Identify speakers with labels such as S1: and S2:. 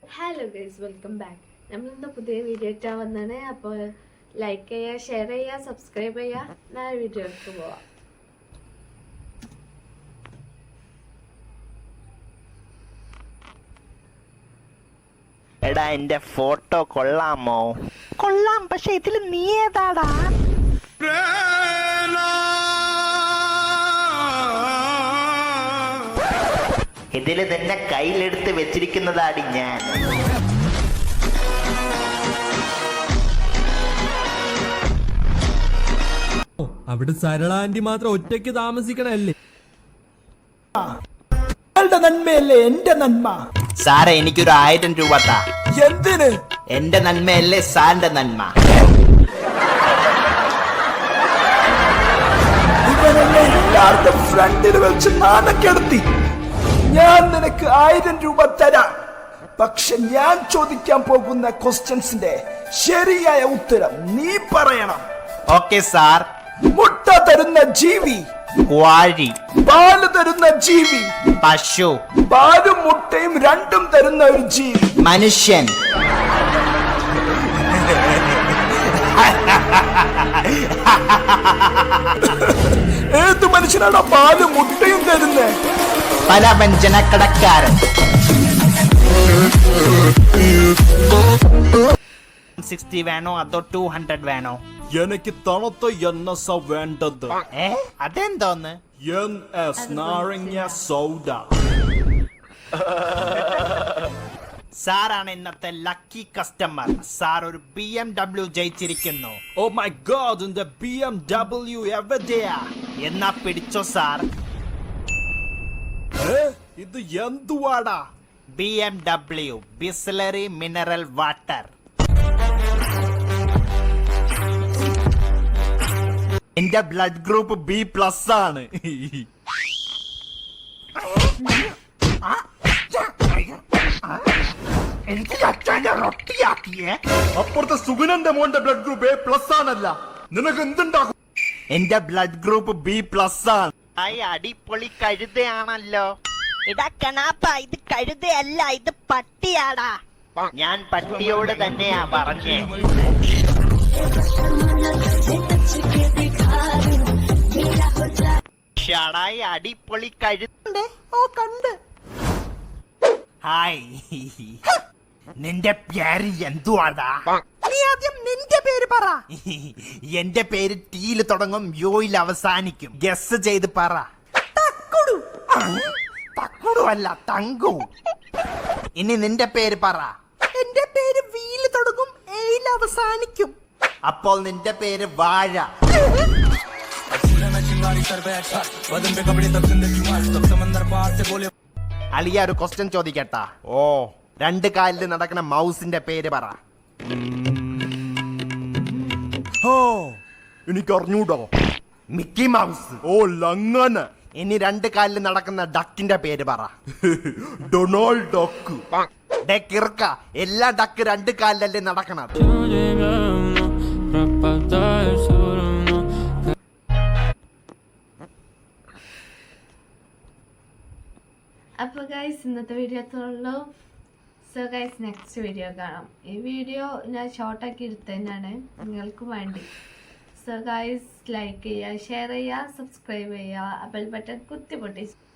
S1: Hello guys, welcome back. നമ്മളിന്ന് പുതിയ video ഇട്ടാൻ വന്നാണ്. അപ്പോൾ ലൈക്ക് ചെയ്യുക, ഷെയർ ചെയ്യുക, സബ്സ്ക്രൈബ് ചെയ്യുക. ഞാൻ വീഡിയോയിലേക്ക് പോവാം.
S2: എടാ, എന്റെ ഫോട്ടോ കൊള്ളാമോ? കൊള്ളാം, പക്ഷെ ഇതിൽ നീ ഏതാടാ? ഇതില് തന്നെ കയ്യിലെടുത്ത് വെച്ചിരിക്കുന്നതാടി ഞാൻ.
S3: അവിടെ സരള ആന്റി മാത്രം ഒറ്റയ്ക്ക് താമസിക്കണല്ലേ?
S4: നന്മയല്ലേ എന്റെ നന്മ?
S2: സാറേ, എനിക്കൊരു 1000 രൂപ താ.
S4: എന്തിന്?
S2: എന്റെ നന്മയല്ലേ സാറിന്റെ നന്മ.
S4: ഇവനെന്നെ എല്ലാവരുടെ ഫ്രണ്ടിൽ വെച്ച് നാണക്കെടുത്തി. ഞാൻ നിനക്ക് 1000 രൂപ തരാം. പക്ഷെ ഞാൻ ചോദിക്കാൻ പോകുന്ന ക്വസ്റ്റ്യൻസിന്റെ ശരിയായ ഉത്തരം നീ പറയണം.
S2: Okay sir.
S4: മുട്ട തരുന്ന ജീവി?
S2: കോഴി.
S4: പാല് തരുന്ന ജീവി?
S2: പശു.
S4: പാലും മുട്ടയും രണ്ടും തരുന്ന ഒരു ജീവി?
S2: മനുഷ്യൻ.
S4: ഏത് മനുഷ്യനാണ് പാലും മുട്ടയും തരുന്നത്?
S2: പലവ്യഞ്ജനക്കടക്കാരൻ. 60 വേണോ അതോ 200 വേണോ?
S4: എനിക്ക് തണുത്ത NS വേണ്ടത്.
S2: അതെന്തോന്ന്?
S4: NS നാരങ്ങ സോഡ.
S2: സാറാണ് ഇന്നത്തെ ലക്കി കസ്റ്റമർ. സാർ ഒരു BMW ജയിച്ചിരിക്കുന്നു.
S4: ഓ മൈ ഗോഡ്, ഇന്റെ BMW എവിടെയാ?
S2: എന്നാ പിടിച്ചോ സാർ.
S4: ഇത് എന്തുവാടാ?
S2: BMW Bisleri mineral water. എന്റെ ബ്ലഡ് ഗ്രൂപ്പ് B+ ആണ്.
S4: അപ്പുറത്തെ സുഗുനന്റെ മോന്റെ ബ്ലഡ് ഗ്രൂപ്പ് A+ ആണല്ല. നിനക്ക് എന്തുണ്ടാകും?
S2: എന്റെ ബ്ലഡ് ഗ്രൂപ്പ് B+ ആണ്. അടിപൊളി കഴുതയാണല്ലോ.
S5: ഇതാ കണാപ്പ, ഇത് കഴുതയല്ല, ഇത് പട്ടിയാടാ.
S2: ഞാൻ പട്ടിയോട് തന്നെയാ പറഞ്ഞേ. ഷടായി അടിപൊളി കഴുത.
S5: ഓ, കണ്ട്.
S2: ഹായ്, നിന്റെ പേര് എന്തുവാടാ?
S5: നീ ആദ്യം നിന്റെ പേര് പറ.
S2: എന്റെ പേര് T-യിൽ തുടങ്ങും, U-യിൽ അവസാനിക്കും. ഗസ് ചെയ്ത് പറ.
S5: തക്കുടു.
S2: തക്കുടു അല്ല, തങ്കു. ഇനി നിന്റെ പേര് പറ.
S5: എന്റെ പേര് V-യിൽ തുടങ്ങും, A-യിൽ അവസാനിക്കും.
S2: അപ്പോൾ നിന്റെ പേര് വാഴ. അലിയ, ഒരു ക്വസ്റ്റ്യൻ ചോദിക്കട്ടാ?
S4: ഓ,
S2: 2 കാലിൽ നടക്കുന്ന മൗസിന്റെ പേര് പറ.
S4: എനിക്ക് അറിഞ്ഞൂടോ.
S2: Mickey mouse.
S4: ഓ, ലങ്ങനെ.
S2: ഇനി 2 കാലിൽ നടക്കുന്ന ഡക്കിന്റെ പേര് പറ.
S4: Donald duck.
S2: കിറുക്ക, എല്ലാ ഡക്ക് 2 കാലിലല്ലേ നടക്കണത്.
S1: അപ്പോൾ ഗൈസ്, ഇന്നത്തെ വീഡിയോ അത്രയുള്ളൂ. സോ ഗൈസ്, നെക്സ്റ്റ് വീഡിയോ കാണാം. ഈ വീഡിയോ ഞാൻ ഷോർട്ടാക്കി എടുത്തതന്നെയാണ് നിങ്ങൾക്ക് വേണ്ടി. സോ ഗൈസ്, ലൈക്ക് ചെയ്യുക, ഷെയർ ചെയ്യുക, സബ്സ്ക്രൈബ് ചെയ്യുക, ബെൽ ബട്ടൺ കുത്തി പൊട്ടിച്ച്